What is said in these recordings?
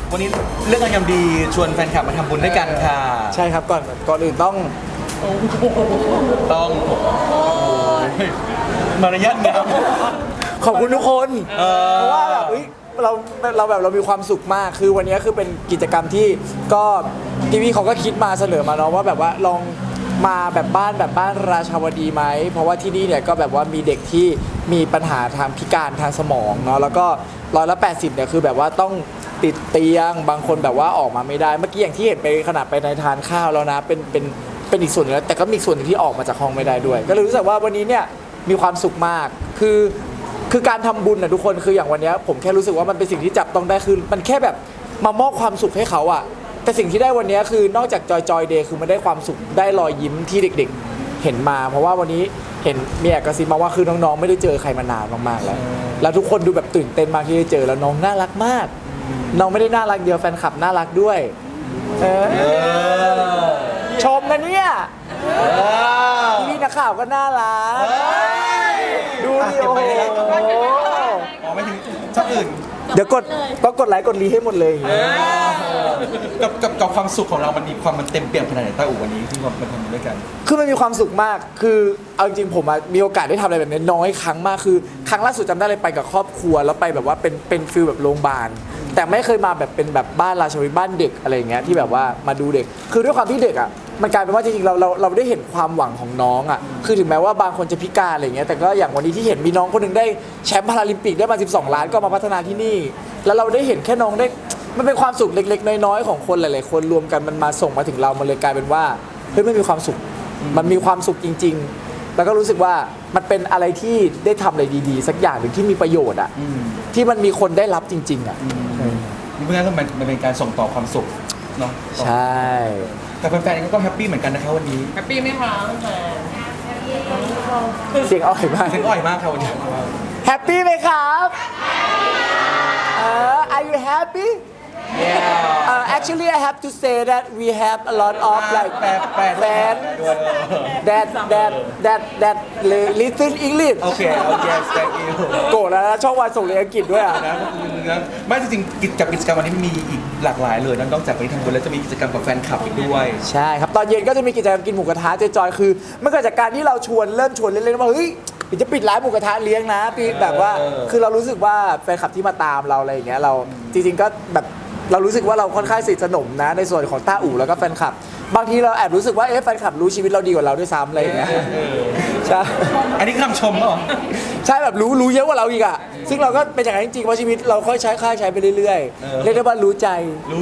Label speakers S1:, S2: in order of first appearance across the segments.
S1: วันนี้เรื่องงานยามดีชวนแฟนคลับมาทำบุญด้วยกันค่ะ
S2: ใช่ครับก่อนอื่นต้อง
S1: มารยาทงาม
S2: ขอบคุณทุกคนเพราะว่าแบบเรามีความสุขมากคือวันนี้คือเป็นกิจกรรมที่ก็ทีวีเขาก็คิดมาเสนอมาเนาะว่าแบบว่าลองมาแบบบ้านราชาวดีไหมเพราะว่าที่นี่เนี่ยก็แบบว่ามีเด็กที่มีปัญหาทางพิการทางสมองเนาะแล้วก็180เนี่ยคือแบบว่าต้องติดเตียงบางคนแบบว่าออกมาไม่ได้เมื่อกี้อย่างที่เห็นไปขนาดไปในทานข้าวแล้วนะเป็นอีกส่วนนึงแล้วแต่ก็มีส่วนหนึ่งที่ออกมาจากห้องไม่ได้ด้วยก็เลยรู้สึกว่าวันนี้เนี่ยมีความสุขมากคือการทำบุญนะทุกคนคืออย่างวันนี้ผมแค่รู้สึกว่ามันเป็นสิ่งที่จับต้องได้คือมันแค่แบบมามอบความสุขให้เขาอะแต่สิ่งที่ได้วันนี้คือนอกจากจอยเดย์คือมันได้ความสุขได้รอยยิ้มที่เด็กๆเห็นมาเพราะว่าวันนี้เห็นมีแอบกระซิบมาว่าคือน้องๆไม่ได้เจอใครมานานมากๆแล้วทุกคนดูแบบตื่นเต้นมากที่ได้เจอแล้วน้องน่ารักมากน้องไม่ได้น่ารักเดียวแฟนคลับน่ารักด้วยชมนะเนี่ยพี่นักข่าวก็น่ารักดูดิโอ้โห
S1: อ๋อไม่ถึงช่องอื่น
S2: เดี๋ยวต้องกดไลค์กดรีให้หมดเลย
S1: กับความสุขของเรามันมีความมันเต็มเปี่ยมขนาดไหนต้าอู่วันนี้ที่มาทำด้วยกัน
S2: คือมันมีความสุขมากคือเอาจริงๆผมมีโอกาสได้ทำอะไรแบบนี้น้อยครั้งมากคือครั้งล่าสุดจำได้เลยไปกับครอบครัวแล้วไปแบบว่าเป็นฟิลแบบโรงพยาบาลแต่ไม่เคยมาแบบเป็นแบบบ้านราชวิทย์บ้านเด็กอะไรอย่างเงี้ยที่แบบว่ามาดูเด็กคือด้วยความที่เด็กอ่ะมันกลายเป็นว่าจริงๆเราได้เห็นความหวังของน้องอ่ะคือถึงแม้ว่าบางคนจะพิการอะไรเงี้ยแต่ก็อย่างวันนี้ที่เห็นมีน้องคนหนึ่งได้แชมป์พาราลิมปิกได้มา12 ล้านก็มาพัฒนาที่นี่แล้วเราได้เห็นแค่น้องได้มันเป็นความสุขเล็กๆน้อยๆของคนหลายๆคนรวมกันมันมาส่งมาถึงเรามันเลยกลายเป็นว่าเฮ้ยมันมีความสุขมันมีความสุขจริงๆแล้วก็รู้สึกว่ามันเป็นอะไรที่ได้ทำอะไรดีๆสักอย่างหนึ่งที่มีประโยชน์อ่ะที่มันมีคนได้รับจริงๆอ่ะ
S1: เพราะฉะนั้นมันเป็นการส่งต่อความสุขเนาะ
S2: ใช่
S1: แต่แฟนๆก็แฮปปี้เหมือนกันนะคะวันนี้
S3: แฮปปี้ไหมคะแฟ
S2: นเสียงอ่อยมาก
S1: เสียงอ่อยมากครับวันนี้
S2: แฮปปี้ไหมครับAre you happy?
S1: Yeah.
S2: Actually, I have to say that we have a lot of like fans that listen English.
S1: Okay. Yes. Thank you.
S2: โกรธแล้วนะช่องวันส่งเรียนอังกฤษด้วยอ่ะ
S1: นะไม่จริงๆกิจกรรมวันนี้มีอีกหลากหลายเลยนอกจากไปทำบุญแล้วจะมีกิจกรรมกับแฟนคลับอีกด้วย
S2: ใช่ครับตอนเย็นก็จะมีกิจกรรมกินหมูกระทะจอยๆคือมันเกิดจากการที่เราเริ่มชวนเล่นๆว่าเฮ้ยเดี๋ยวจะปิดร้านหมูกระทะเลี้ยงนะปีแบบว่าคือเรารู้สึกว่าแฟนคลับที่มาตามเราอะไรอย่างเงี้ยเราจริงๆก็แบบเรารู้สึกว่าเราค่อนข้างสนิทสนมนะในส่วนของต้าอู่แล้วก็แฟนคลับบางทีเราแอบรู้สึกว่าแฟนคลับรู้ชีวิตเราดีกว่าเราด้วยซ้ำอะไรอย่างเงี้ยใช่
S1: อันนี้คำชมเหรอ
S2: ใช่แบบรู้เยอะกว่าเราอีกอ่ะซึ่งเราก็เป็นอย่างนั้นจริงๆเพราะชีวิตเราค่อยใช้ไปเรื่อยๆเรียกได้ว่ารู้ใจ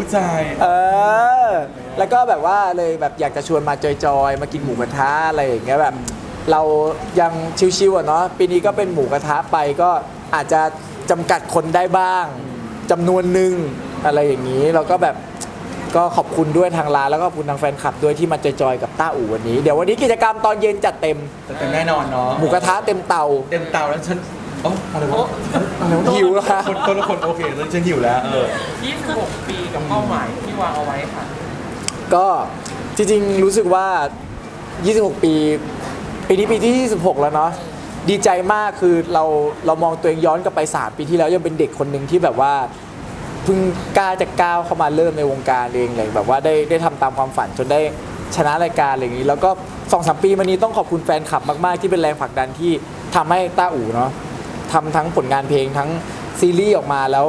S2: แล้วก็แบบว่าเลยแบบอยากจะชวนมาจอยๆมากินหมูกระทะอะไรอย่างเงี้ยแบบเรายังชิวๆอ่ะเนาะปีนี้ก็เป็นหมูกระทะไปก็อาจจะจำกัดคนได้บ้างจำนวนหนึ่งอะไรอย่างนี้เราก็แบบก็ขอบคุณด้วยทางร้านแล้วก็ขอบคุณทางแฟนคลับด้วยที่มาจอยๆกับต้าอู่วันนี้เดี๋ยววันนี้กิจกรรมตอนเย็นจัดเต็ม
S1: แน่นอนเนาะ
S2: หมูกระทะเต็มเตา
S1: แล้วฉันอะไรวะ
S2: หิวแล้ว
S1: คนละคนโอเคแล้วฉันหิวแล้ว
S3: 26 ปีกับเป้าหมายที่วางเอาไว้ค่ะ
S2: ก็จริงๆรู้สึกว่า26 ปีนี้ปีที่26แล้วเนาะดีใจมากคือเรามองตัวเองย้อนกลับไป3 ปีที่แล้วยังเป็นเด็กคนหนึ่งที่แบบว่าเพิ่งกล้าจะก้าวเข้ามาเริ่มในวงการเองเลยแบบว่าได้ทำตามความฝันจนได้ชนะรายการอะไรอย่างนี้แล้วก็ 2-3 ปีมานี้ต้องขอบคุณแฟนคลับมากๆที่เป็นแรงผลักดันที่ทำให้ต้าอู่เนาะทำทั้งผลงานเพลงทั้งซีรีส์ออกมาแล้ว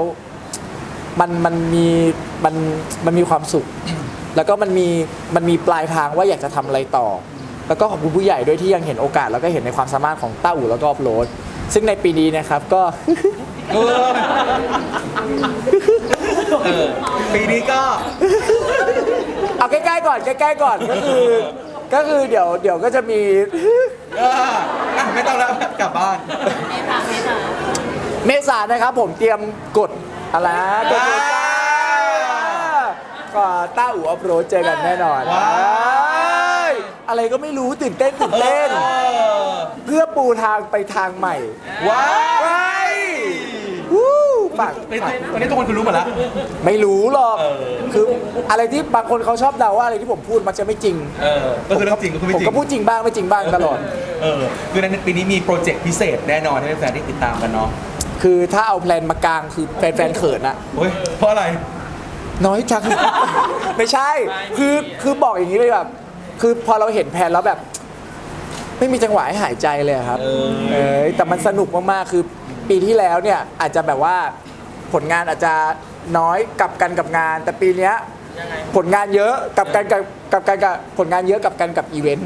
S2: มันมีความสุขแล้วก็มันมีปลายทางว่าอยากจะทำอะไรต่อแล้วก็ขอบคุณผู้ใหญ่ด้วยที่ยังเห็นโอกาสแล้วก็เห็นในความสามารถของต้าอู่แล้วก็อัพโหลดซึ่งในปีนี้นะครับก็
S1: ปีนี้ก็
S2: เอาใกล้ๆก่อนก็คือเดี๋ยวก็จะมี
S1: ไม่ต้องแล้วกลับบ้าน
S2: เมษานะครับผมเตรียมกดอะไรก็ต้าอู่อัพโหลดเจอกันแน่นอนอะไรก็ไม่รู้ตื่นเต้นเพื่อปูทางไปทางใหม่
S1: ว้าย
S2: ฝาก
S1: วันนี้ทุกคนคุณรู้หมดแล้ว
S2: ไม่รู้หรอกคืออะไรที่บางคนเขาชอบเดาว่าอะไรที่ผมพูดมันจะไม่จริง
S1: ก็คือเรื่องจริงก็คือไม่จริง
S2: ผมก็พูดจริงบ้างไม่จริงบ้างตลอด
S1: คือในปีนี้มีโปรเจกต์พิเศษแน่นอนให้แฟนๆได้ติดตามกันเนาะ
S2: คือถ้าเอาแพลนมากลางคือแฟนๆเขินอะ
S1: เพราะอะไร
S2: น้อยจัง ไม่ใช่ คือบอกอย่างนี้เลยแบบคือพอเราเห็นแผนแล้วแบบ ไม่มีจังหวะให้หายใจเลยครับแต่มันสนุกมากๆคือปีที่แล้วเนี่ยอาจจะแบบว่าผลงานอาจจะน้อยกับกันกับงาน แต่ปีเนี้ย
S3: ยังไง
S2: ผลงานเยอะกับกันกับผลงานเยอะกับกันกับอีเวนต์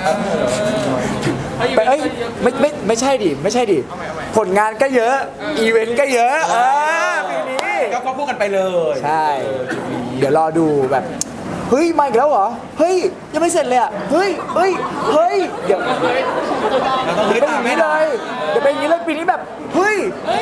S2: เอ้ยไม่ใช่ดิไม่ใช่ดิ
S3: เอาใหม่
S2: ผลงานก็เยอะอีเวนต์ก็เยอะปีนี้
S1: ก็ควบคู่กันไปเลย
S2: ใช่ เดี๋ยวรอดูแบบเฮ้ยมาอีกแล้วเหรอเฮ้ยยังไม่เสร็จเลยอ่ะเฮ้ยเดี๋ยว
S1: เราต้อง
S2: เป็
S1: ฮึ
S2: น
S1: ด
S2: อ
S1: ตาม
S2: ย่าง
S1: แน่
S2: นี้
S1: น
S2: เล
S1: อน
S2: ยเดี๋ยวเป็นอย่างนี้เลยปีนี้แบบเฮ้ย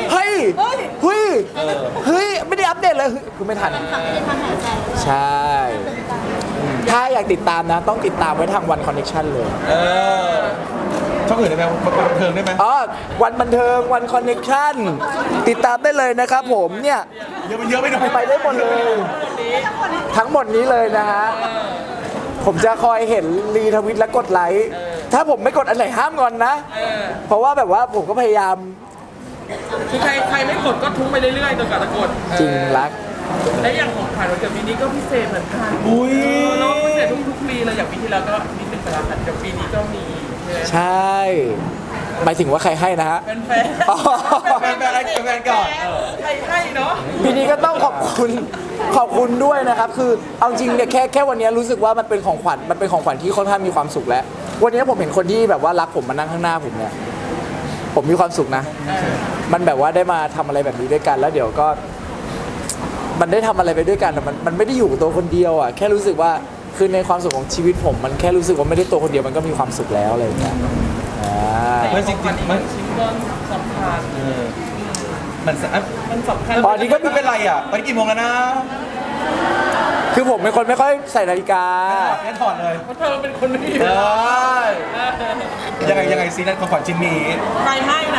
S2: ไม่ได้อัปเดตเลยคือไม่ทันใช่ ถ้าอยากติดตามนะ ต้องติดตามไว้ทางวันคอนเนคชั่นเลย
S1: ช่องอื่นได้ไหมบันเทิงได้ไหม
S2: อ๋อวันบันเทิงวันคอนเนคชั่นติดตามได้เลยนะครับผมเนี่ย
S1: เยอะไปหน่อย
S2: ไปได้หมดเลย ทั้งหมดนี้เลยนะฮะ ผมจะคอยเห็นรีทวิตและกดไลค์ ถ้าผมไม่กดอันไหนห้ามงอนนะ เพราะว่าแบบว่าผมก็พยายาม
S3: คือใครไม่กดก็ทุ้งไปเรื่อยๆจนกว่าจะกด
S2: จริงรัก
S3: และอย่างของขวัญวันเกิดปีนี้ก็พิเศษเหมือนกัน
S1: อุ้ย
S3: เราพิเศษทุกปีเลยอย่างปีที่แล้วก็นิดนึงไปแล้วค่ะเดี๋ยวปีนี้ก็มี
S2: ใช่ หมายถึงว่าใครให้นะฮะ
S3: เป็นแฟน
S2: อ๋อ
S1: แฟนอะไรแฟนก่อน
S3: ใครให้เนาะ
S2: ปีนี้ก็ต้องขอบคุณด้วยนะครับ คือเอาจริงเนี่ยแค่วันนี้รู้สึกว่ามันเป็นของขวัญที่ค่อนข้างมีความสุขแล้ว วันนี้ผมเห็นคนที่แบบว่ารักผมมานั่งข้างหน้าผมเนี่ย ผมมีความสุขนะ มันแบบว่าได้มาทำอะไรแบบนี้ด้วยกันแล้วเดี๋ยวก็ มันได้ทำอะไรไปด้วยกันแต่มันไม่ได้อยู่กับตัวคนเดียวอ่ะแค่รู้สึกว่าคือในความสุขของชีวิตผมมันแค่รู้สึกว่าไม่ได้ตัวคนเดียวมันก็มีความสุขแล้วอะไรอย่างเงี้ย
S3: แต่
S1: มันจริง
S3: ของขวัญ
S1: ๆมัน
S3: ชิ้นก็สำคัญ
S1: มันสะ
S3: มันสำคัญ
S2: ตอนนี้ก็
S1: ไม่เป็นไรอ่ะตอนนี้กี่โมงแล้วนะ
S2: คือผมเป็นคนไม่ค่อยใส่นาฬิกา
S1: งั้นถอดเลย
S3: เพราะเธอเป็นคนไม่มี
S1: เอ้ยยังไงซีนั่นของขวัญชิ้นนี้
S3: ใครให้นะ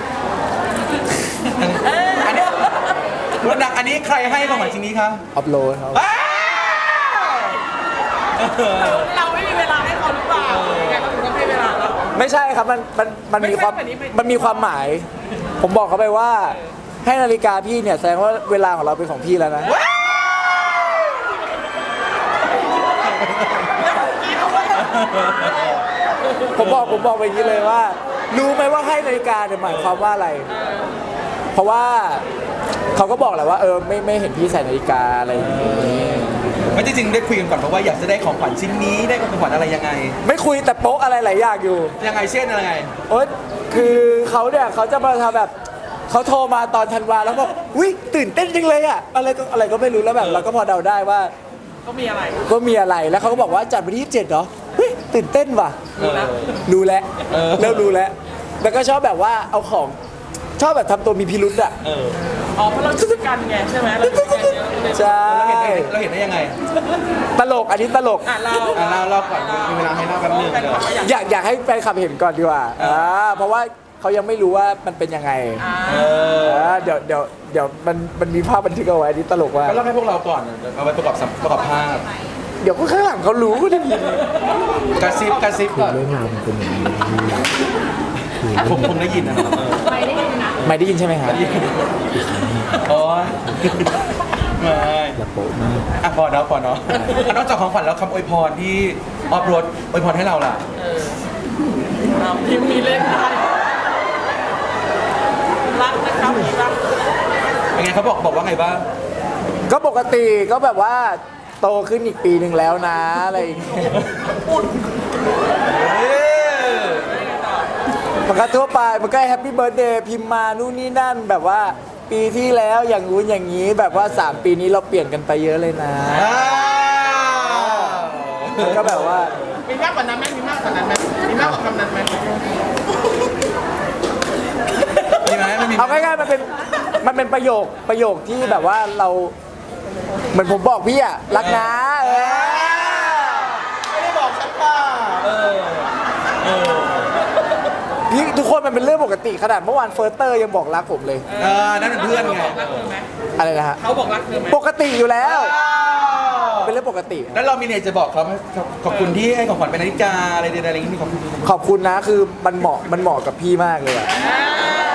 S1: อันนี้รุ่นดังอันนี้ใครให้ของขวัญชิ้นนี้คะ
S2: อัพโหลดครับ
S1: อ้าว
S3: เราไม่มีเวลาให้เขาหรือเปล่ายังไงก็ถึงต้องให้เวลาเรา
S2: ไม่ใช่ครับมันมีความ
S3: ไม่ใช่แบบนี้ไม่
S2: มันมีความหมาย ผมบอกเขาไปว่า ให้นาฬิกาพี่เนี่ยแสดงว่าเวลาของเราเป็นของพี่แล้วนะ ผมบอกไปอย่างนี้เลยว่า รู้ไหมว่าให้นาฬิกาเนี่ยหมายความว่าอะไร เพราะว่าเขาก็บอกแหละว่าไม่เห็นพี่ใส่นาฬิกาอะไรอย่างนี้
S1: ไม่จริงๆได้คุยกันก่อนเพราะว่าอยากจะได้ของขวัญชิ้นนี้ได้ของขวัญอะไรยังไง
S2: ไม่คุยแต่โป๊ะอะไรหลายอย่างอยู่
S1: ยังไงเช่นอะไรไง
S2: โอ๊ยคือเขาเนี่ยเขาจะมาทำแบบเขาโทรมาตอนธันวาแล้วบอกอุ้ยตื่นเต้นจังเลยอะอะไรก็ไม่รู้แล้วแบบเราก็พอเดาได้ว่า
S3: ก็มีอะไร
S2: ก็มีอะไรแล้วเขาก็บอกว่าจัดวันที่27เหรอเฮ้ยตื่นเต้นว่ะ รู้แล้ว เริ่มรู้แล้วแล้วก็ชอบแบบว่าเอาของชอบแบบทำตัวมีพิรุธอะ
S3: อ๋อเพราะเราช่วยกันไงใช่ไหมเราช่วยกันเยอะเลย
S2: ใช่
S1: เราเห็นได้ยังไง
S2: ตลกอันนี้ตลก
S3: เรา
S1: เราก่อนมีเวลาให้เล่าแป๊บนึงเดี๋ยว
S2: อยากให้แฟนคลับเห็นก่อนดีกว่าเพราะว่าเขายังไม่รู้ว่ามันเป็นยังไงเดี๋ยวมันมีภาพบันทึกเอาไว้อันนี้ตลกว่า
S1: ก็เล่าให้พวกเราก่อนเอาไว้ประกอบภาพ
S2: เดี๋ยวก็ข้างหลังเขารู้ก็ได้ยิน
S1: กระซิบก่อน
S2: เรื่องราวมันเป็นอย่างนี้
S1: ผมได้ยินนะ
S2: ไม่ได้ยินใช่ไหมครับ
S1: โอ้ยไม่
S2: ละโป๊ะมาก
S1: อ่ะพอเนาะนอกจากของขวัญแล้วคำอวยพรที่ออฟโรดอวยพรให้เราล่ะ
S3: เราพิมพ์มีเล่นได้รักนะครับรัก
S1: เป็นไงเขาบอกว่าไงบ้าง
S2: ก็ปกติก็แบบว่าโตขึ้นอีกปีหนึ่งแล้วนะอะไรอย่างเงี้ยมันก็ทั่วไปมันก็แฮปปี้เบิร์ดเดย์พิมพ์มานู่นนี่นั่นแบบว่าปีที่แล้วอย่างงู้นอย่างนี้แบบว่า3 ปีนี้เราเปลี่ยนกันไปเยอะเลยนะมันก็แบบว่า
S3: มีมากกว่านั้นไหมมีมากกว่านั้นไหมมีมากกว่าคำนั้นไหม
S1: มีไหมไม่มี
S2: เอาง่ายๆมันเป็นประโยคที่แบบว่าเราเหมือนผมบอกพี่อะรักนะ
S1: ไม่ได้บอกฉันป่ะ
S2: พี่ทุกคนมันเป็นเรื่องปกติขนาดเมื่อวานเฟิร์สเตอร์ยังบอกรักผมเลย
S1: นั่นเป็นเพื่อนไง
S3: รักเธอไหม
S2: อะไรนะฮะ
S3: เขาบอกรักเธอไหม
S2: ปกติอยู่แล้ว เป็นเรื่องปกติ
S1: แล้วเรามีเนี่ยจะบอกเขาไหมขอบคุณที่ให้ของขวัญเป็นนาฬิกาอะไรใดๆอะไรอย่างนี้มีขอบคุณ
S2: ขอบคุณนะคือมันเหมาะกับพี่มากเลยอะ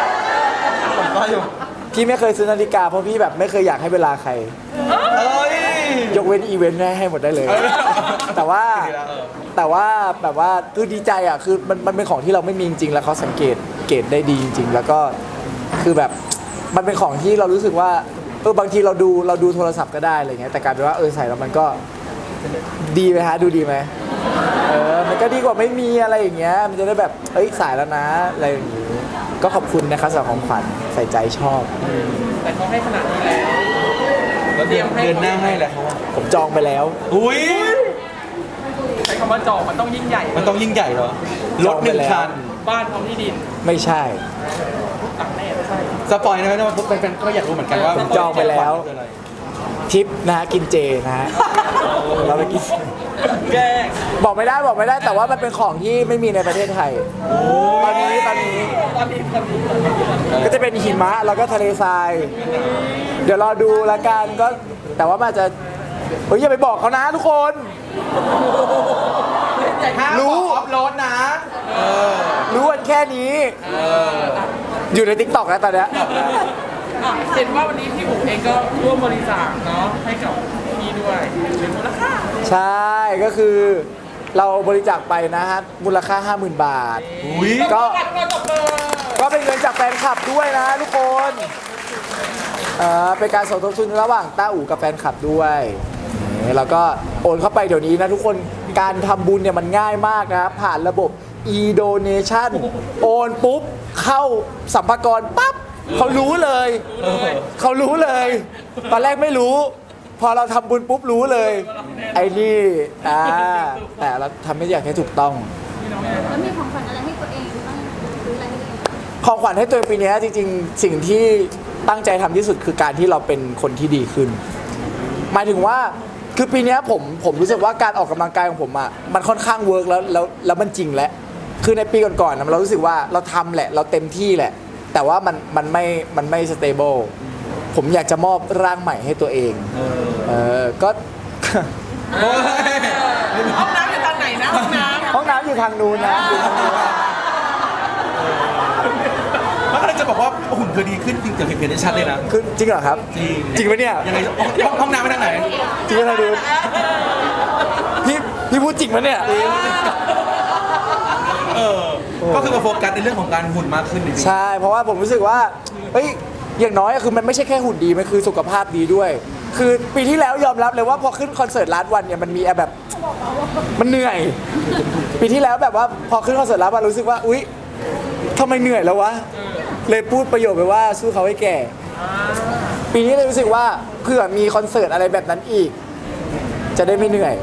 S1: ผมก็อยู่
S2: พี่ไม่เคยซื้อนาฬิกาเพราะพี่แบบไม่เคยอยากให้เวลาใคร
S1: เอ้ย
S2: ยกเว้นอีเวนต์ให้หมดได้เลย แต่ว่า
S1: เออ
S2: แต่ว่าแบบว่าคือดีใจอ่ะคือมันเป็นของที่เราไม่มีจริงๆแล้วเขาสังเกตได้ดีจริงๆแล้วก็คือแบบมันเป็นของที่เรารู้สึกว่าบางทีเราดูโทรศัพท์ก็ได้อะไรเงี้ยแต่กลายเป็นว่าใส่แล้วมันก็ดีไหมฮะดูดีไหมมันก็ดีกว่าไม่มีอะไรอย่างเงี้ยมันจะได้แบบใส่แล้วนะอะไรอย่างงี้ก็ขอบคุณนะครับสำหรับของขวัญใส่ใจชอบ
S3: แต่เขาให้ขนาดนี้แล้ว
S1: แล้วเดือนหน้าให้แหละเขาว่า
S2: ผมจองไปแล้ว
S1: อุ้ย
S3: ใช้คำว่าจองมันต้องยิ่งใหญ่
S1: มันต้องยิ่งใหญ่เหรอรถหนึ่งคัน
S3: บ้านพร้อมที่ดิน
S2: ไม่ใช่
S3: ต่างแน่ไม่ใช่
S1: สปอยนะว่าแฟนๆก็อยากรู้เหมือนกันว่า
S2: ผมจองไปแล้ว
S1: คืออะไร
S2: ทริปนะฮะกินเจนะฮะเราไปกิน
S3: แกล้ง
S2: บอกไม่ได้แต่ว่ามันเป็นของที่ไม่มีในประเทศไทยตอนนี้
S3: ตอนนี้
S2: ก็จะเป็นหิมะแล้วก็ทะเลทราย เดี๋ยวรอดูละกันก็แต่ว่ามันอาจจะอย่าไปบอกเขานะทุกคน รู้
S1: ออฟโรดนะ
S2: รู้กันแค่นี้ อยู่ใน TikTok แล้วตอนเนี้ย
S3: เห็นว่าวันนี้พี่บุ๋มเองก็ร่วมบริจาคเนาะให้กับพี่ด้วยเป็นมูลค่า
S2: ใช่ก็คือเราบริจาคไปนะฮะมูลค่า 50,000 บาท
S1: อุ้ย
S2: ก็
S3: ตบมือ
S2: ก็เป็นเงินจากแฟนคลับด้วยนะทุกคนเป็นการสมทบทุนระหว่างต้าอู่กับแฟนคลับด้วยแล้วก็โอนเข้าไปเดี๋ยวนี้นะทุกคนการทำบุญเนี่ยมันง่ายมากนะผ่านระบบ e-donation โอนปุ๊บเข้าสัมภากระปั๊บเขารู้เลยตอนแรกไม่รู้ พอเราทำบุญปุ๊บรู้เลยไอ้นี่แต่เราทำไม่อยากให้ถูกต้อง
S4: แล้วมีของขวัญอะไรให้ตัวเองบ้างหรืออะไรให้ตัวเอง
S2: ของขวัญให้ตัวเองปีนี้จริงๆ สิ่งที่ตั้งใจทำที่สุดคือการที่เราเป็นคนที่ดีขึ้น หมายถึงว่าคือปีนี้ผมรู้สึกว่าการออกกำลังกายของผมอ่ะมันค่อนข้างเวิร์กแล้วมันจริงแล้วคือในปีก่อนๆเรารู้สึกว่าเราทำแหละเราเต็มที่แหละ แต่ว่ามันไม่สเตเบิลผมอยากจะมอบร่างใหม่ให้ตัวเองก็
S3: ห้องน้ำอยู่ทางไหนนะห้องน้ำ
S2: ห้องน้ำอยู่ทางนู้นนะอยู่ทางนู้น
S1: มันก็เลยจะบอกว่าหุ่นเธอดีขึ้นจริงจากเห็นได้ชัดเลยนะ
S2: คือจริงเหรอครับ จริงไหมเนี่ย
S1: ยังไงห้องน้ำไปทางไหน
S2: จริงไหมทางนู้นพี่พูดจริงไหมเนี่ย
S1: ก็คือมาโฟกัสในเรื่องของการหุ่นมากขึ้นจริงๆ
S2: ใช่ เพราะว่าผมรู้สึกว่าอย่างน้อยคือมันไม่ใช่แค่หุ่นดี มันคือสุขภาพดีด้วย คือปีที่แล้วยอมรับเลยว่าพอขึ้นคอนเสิร์ตลาสวันเนี่ยมันมีแบบมันเหนื่อย ปีที่แล้วแบบว่าพอขึ้นคอนเสิร์ตลาสวันรู้สึกว่าอุ๊ยทำไมเหนื่อยแล้ววะ เลยพูดประโยคไปว่าสู้เขาให้แก่ ปีนี้เลยรู้สึกว่าเผื่อมีคอนเสิร์ตอะไรแบบนั้นอีก จะได้ไม่เหนื่อย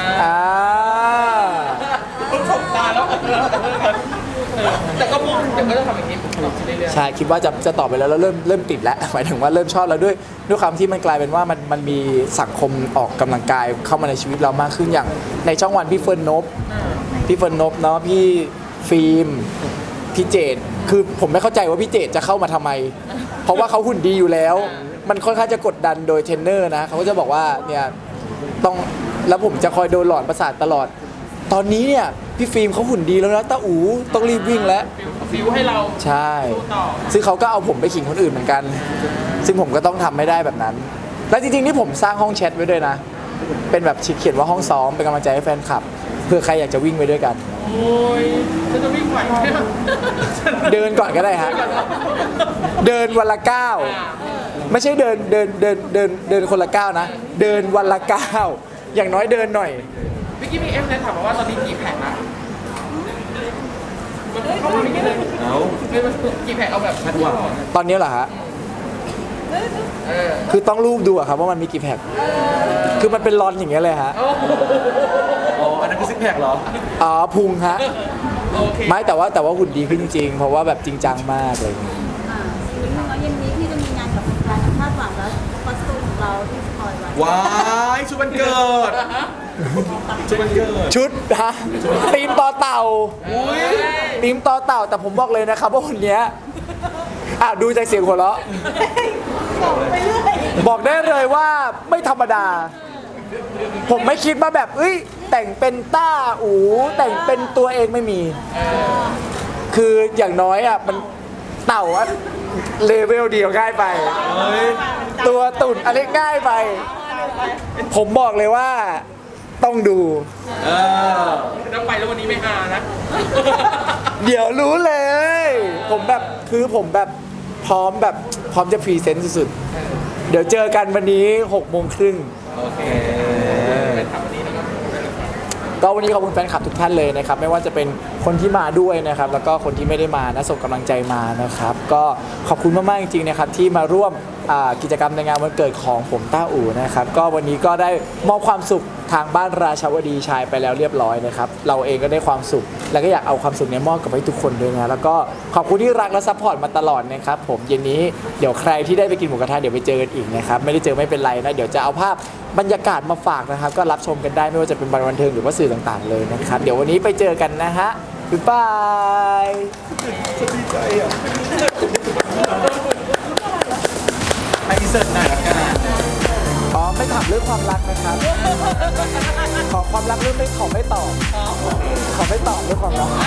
S3: ผมสบตาแล้วแต่ก็พูดเดี๋ยวก็จะทำอย่างนี้ผมตอบเรื่อย
S2: ใช่คิดว่าจะต่อไปแล้วแล้วเริ่มติดแล้ว หมายถึงว่าเริ่มชอบแล้วด้วยความที่มันกลายเป็นว่ามันมีสังคมออกกำลังกายเข้ามาในชีวิตเรามากขึ้นอย่างในช่องวันพี่เฟิร์นนบเนาะพี่ฟิล์มพี่เจดคือผมไม่เข้าใจว่าพี่เจดจะเข้ามาทำไม เพราะว่าเขาหุ่นดีอยู่แล้ว มันค่อนข้างจะกดดันโดยเทรนเนอร์นะเขาก็จะบอกว่าเนี่ยต้องแล้วผมจะคอยโดนหลอนประสาทตลอด ตอนนี้เนี่ยพี่ฟิล์มเขาหุ่นดีแล้วนะต้าอู๋ต้องรีบวิ่งแล้ว
S3: ฟิวให้เรา
S2: ใช่
S3: ต่อ
S2: ซึ่งเขาก็เอาผมไปขิงคนอื่นเหมือนกัน ซึ่งผมก็ต้องทำไม่ได้แบบนั้น และจริงๆนี่ผมสร้างห้องแชทไว้ด้วยนะ เป็นแบบเขียนว่าห้องซ้อมเป็นกำลังใจให้แฟนคลับ เพื่อใครอยากจะวิ่งไปด้วยกัน
S3: โอ้ยฉันจะวิ่งไหวไหม
S2: เดินก่อนก็ได้ฮะ เดินวันละก้าวไม่ใช่เดินคนละก้าวนะ เดินวันละก้าวอย่างน้อยเดินหน่อย
S3: เมื่อกี้มีเอฟเลยถามมาว่าตอนนี้กี่แผงละเขาไม่กี่เลย
S1: เอา
S3: กี่แผงเอาแบบชัดว่า
S2: ตอนนี้เหรอฮะ คือต้องรูปดูอะครับว่ามันมีกี่แพ็คคือมันเป็นรอนอย่างเงี้ยเลยฮะ
S1: อ๋ออันนั้นคือซิกแพคเหรอ
S2: อ๋อพุงฮะ
S3: โอเค
S2: ไม่แต่ว่าหุ่นดีขึ้นจริงๆ เพราะว่าแบบจริงจังมากเลย
S4: นิดนึงแล้วเย็นนี้พี่จะมีงานกับแฟนๆคาดหวังแล้วคอสตูมของเราที่สปอยไว้
S1: ว้ายชุดวันเกิดชุดวันเกิด
S2: ชุดฮะทีมต่อเต่าทีมต่อเต่าแต่ผมบอกเลยนะครับว่าคนเนี้ยดูจากเสียงหัวเราะบอกได้เลยว่าไม่ธรรมดา ผมไม่คิดว่าแบบแต่งเป็นต้าอูแต่งเป็นตัวเองไม่มี คืออย่างน้อยมันเต่าเลเวลเดียวง่ายไป ตัวตุ่นอะไรง่ายไปผมบอกเลยว่าต้องดู
S1: เออ
S3: ต้องไปแล้ววันนี้ไม่หานะ
S2: เดี๋ยวรู้เลย ผมแบบคือผมแบบพร้อมจะพรีเซนต์สุดๆ เดี๋ยวเจอกันวันนี้6:30 น.
S1: โอเค
S2: ก็วันนี้ขอบคุณแฟนคลับทุกท่านเลยนะครับไม่ว่าจะเป็นคนที่มาด้วยนะครับแล้วก็คนที่ไม่ได้มานะส่งกำลังใจมานะครับก็ขอบคุณมากๆจริงๆนะครับที่มาร่วมกิจกรรมในงานวันเกิดของผมต้าอู่นะครับก็วันนี้ก็ได้มอบความสุขทางบ้านราชาวดีชายไปแล้วเรียบร้อยนะครับเราเองก็ได้ความสุขแล้วก็อยากเอาความสุขนี้มอบกับให้ทุกคนด้วยนะแล้วก็ขอบคุณที่รักและซัพพอร์ตมาตลอดนะครับผมเย็นนี้เดี๋ยวใครที่ได้ไปกินหมูกระทะเดี๋ยวไปเจอกันอีกนะครับไม่ได้เจอไม่เป็นไรนะเดี๋ยวจะเอาภาพบรรยากาศมาฝากนะครับก็รับชมกันได้ไม่ว่าจะเป็นบันเทิงหรือว่าสื่อต่างๆเลยนะครับเดี๋ยววันนี้ไปเจอกันนะฮะบ๊ายบาย
S1: ให้อินเสิร์ตหน่อยละกัน
S2: อ๋อไม่ถามเรื่องความรักนะครับ ขอความรักเรื่องไม่ขอไม่ตอบขอไม่ตอบเรื่องความรัก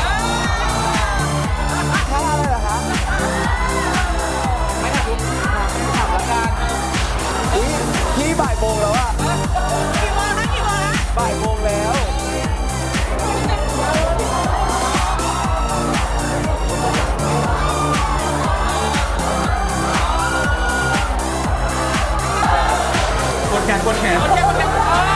S2: ถ้าอะไรเหรอคะไม่ถามละกันพี่บ่ายโมงแล้วอะบ่ายโมงแล้ว
S1: กดแขนกดแขน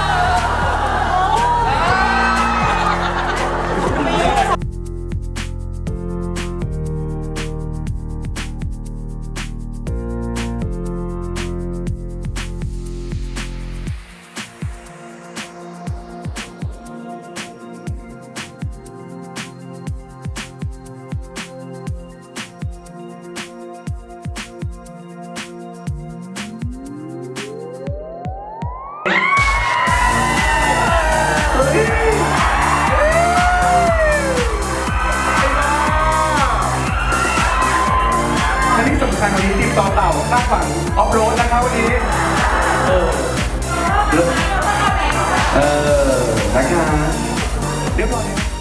S1: และที่สำคัญวันนี้ทีมต่อเต่าคาดหวังออฟโรดนะครับวันนี้ นะคะเรียบร้อย